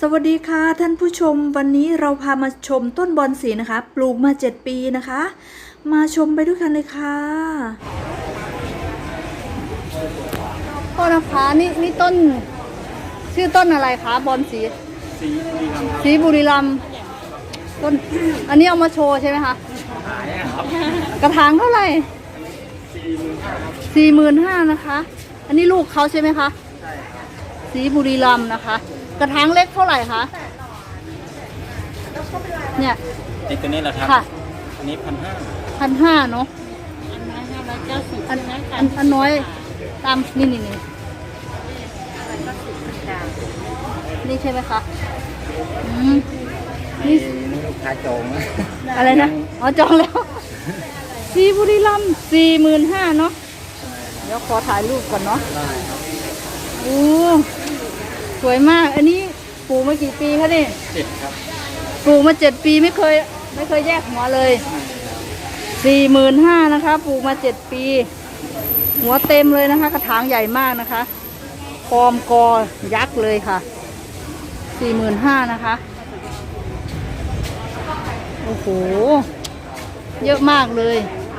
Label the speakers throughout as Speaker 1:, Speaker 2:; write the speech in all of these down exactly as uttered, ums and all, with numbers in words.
Speaker 1: สวัสดีค่ะท่านผู้ชมวันนี้เราพามาชมต้นบอนสีนะคะปลูกมาเจ็ดปีนะคะ มาชมไปด้วยกันเลยค่ะ
Speaker 2: โทษนะคะนี่นี่ต้นชื่อต้นอะไรคะบอนสีสีบุรีรัมย์ต้นอันนี้เอามาโชว์ใช่ไหมคะกระถางเท่าไหร่สี่หมื่นห้านะคะ อันนี้ลูกเขาใช่ไหมคะสีบุรีรัมย์นะคะ กระถางเล็กเท่าไหร่คะเนี่ย
Speaker 3: ไอ้ตัวนี้แหละครับ
Speaker 2: ค่ะ
Speaker 3: อันนี้พันห้า
Speaker 2: พันห้าเนาะอันอันอันน้อยตามนี่นี่นี่นี่ใช่ไหมคะอืมนี่
Speaker 3: ลูกค้าจองนะ
Speaker 2: อะไรนะอ๋อจองแล้วสีบุรีรัมย์สี่หมื่นห้าเนาะเดี๋ยวขอถ่ายรูปก่อนเนาะโอ้สวยมากอันนี้ปลูกมากี่ปีคะนี่
Speaker 3: เจ็ดครับ
Speaker 2: ปลูกมาเจ็ดปีไม่เคยไม่เคยแยกหัวเลยสี่หมื่นห้านะคะปลูกมาเจ็ดปี หัวเต็มเลยนะคะกระถางใหญ่มากนะคะคอมกอยักษ์เลยค่ะสี่หมื่นห้านะคะโอ้โหเยอะมากเลย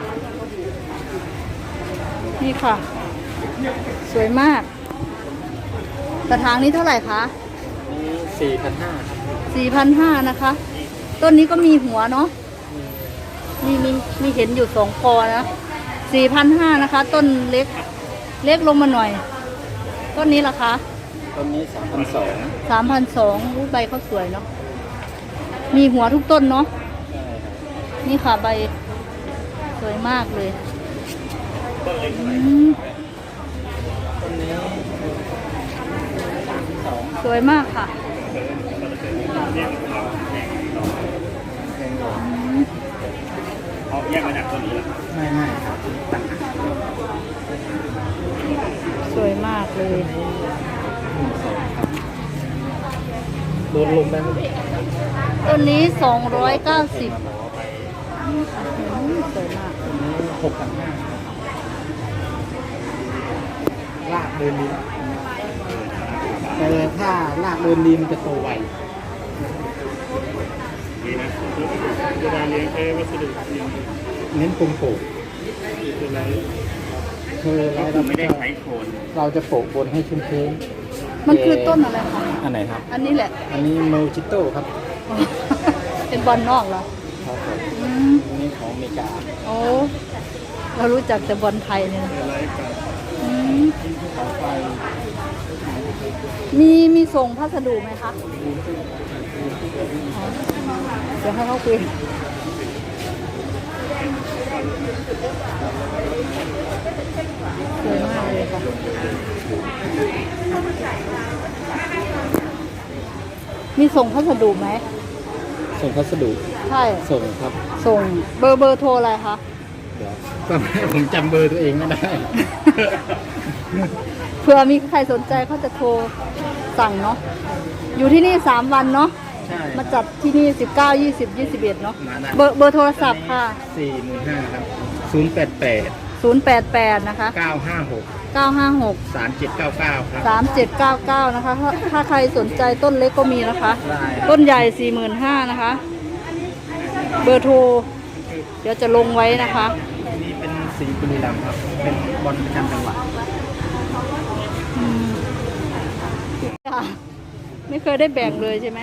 Speaker 2: นี่ค่ะสวยมากกระถางนี้เท่าไหร่คะ
Speaker 3: นี่สี่พันห้า
Speaker 2: สี่พันห้านะคะต้นนี้ก็มีหัวเนาะมีมีมีเห็นอยู่สองกอนะสี่พันห้านะคะต้นเล็กเล็กลงมาหน่อยต้นนี้ล่ะคะ
Speaker 3: ต้นนี้สามพันสอง
Speaker 2: สามพันสองใบเขาสวยเนาะมีหัวทุกต้นเนาะนี่ค่ะใบสวยมากเลย
Speaker 3: ต้นนี้
Speaker 2: สวยมากค่ะ
Speaker 3: เขาแยกมาจากต้นนี้หรอไม่ไม่ครับ
Speaker 2: สวยมากเลย
Speaker 3: โดนลมได้ไหม
Speaker 2: ต้นนี้สองร้อยเก้าสิบสวยมาก
Speaker 3: หกพันห้าลากเดินดีแต่ถ้าลากเดินดีมันจะโตไวดีนะเวลาเลี้ยงใช้วัสดุเน้นปรุงโปะคืออะไรคือเราไม่ได้ใช้โคนเราจะโปะบนให้ชุ่มชื้น
Speaker 2: มันคือต้นอะไรคะ
Speaker 3: อันไหนครับ
Speaker 2: อันนี้แหละ
Speaker 3: อันนี้โมจิโต้ครับ
Speaker 2: เป็นบอลนอกเหรอ
Speaker 3: ครับผมอันนี้ของอเมริกา
Speaker 2: โอ้เรารู้จักแต่บอลไทยเนี่ยมีมีส่งพัสดุไหมคะเดี๋ยวให้เขาคุยสวยมากเลยค่ะมีส่งพัสดุไหม
Speaker 3: ส่งพัสดุ
Speaker 2: ใช่
Speaker 3: ส่งครับ
Speaker 2: ส่งเบอร์เบอร์โทรอะไรคะ
Speaker 3: เดี๋ยวก็ผมจำเบอร์ตัวเองไม่ได้
Speaker 2: เผื่อมีใครสนใจเขาจะโทรสั่งเนาะอยู่ที่นี่สามวันเนาะมาจัดที่นี่สิบเก้า ยี่สิบ ยี่สิบเอ็ดเนาะเบอร์เบอร์โทรศัพท์ค่ะ
Speaker 3: สี่หมื่นห้าครับศูนย์แปดแปด
Speaker 2: ศูนย์แปดแปดนะคะ
Speaker 3: เก้าห้าหก
Speaker 2: เก้าห้าหก
Speaker 3: สามเจ็ดเก้าเก้าครับ
Speaker 2: สามเจ็ดเก้าเก้านะคะถ้าถ้าใครสนใจต้นเล็กก็มีนะคะต้นใหญ่สี่หมื่นห้านะคะเบอร์โทรเดี๋ยวจะลงไว้นะคะ
Speaker 3: นี่เป็นสีบุรีรัมย์ครับเป็นบอลประจำจังหวัด
Speaker 2: ไม่เคยได้แบ่งเลยใช่ไหม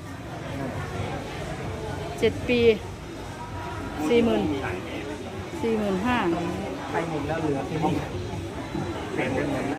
Speaker 2: เจ็ดปีสี่หมื่นสี่หมื่นห้า
Speaker 3: ไปหมดแล้วเหลือที่นี่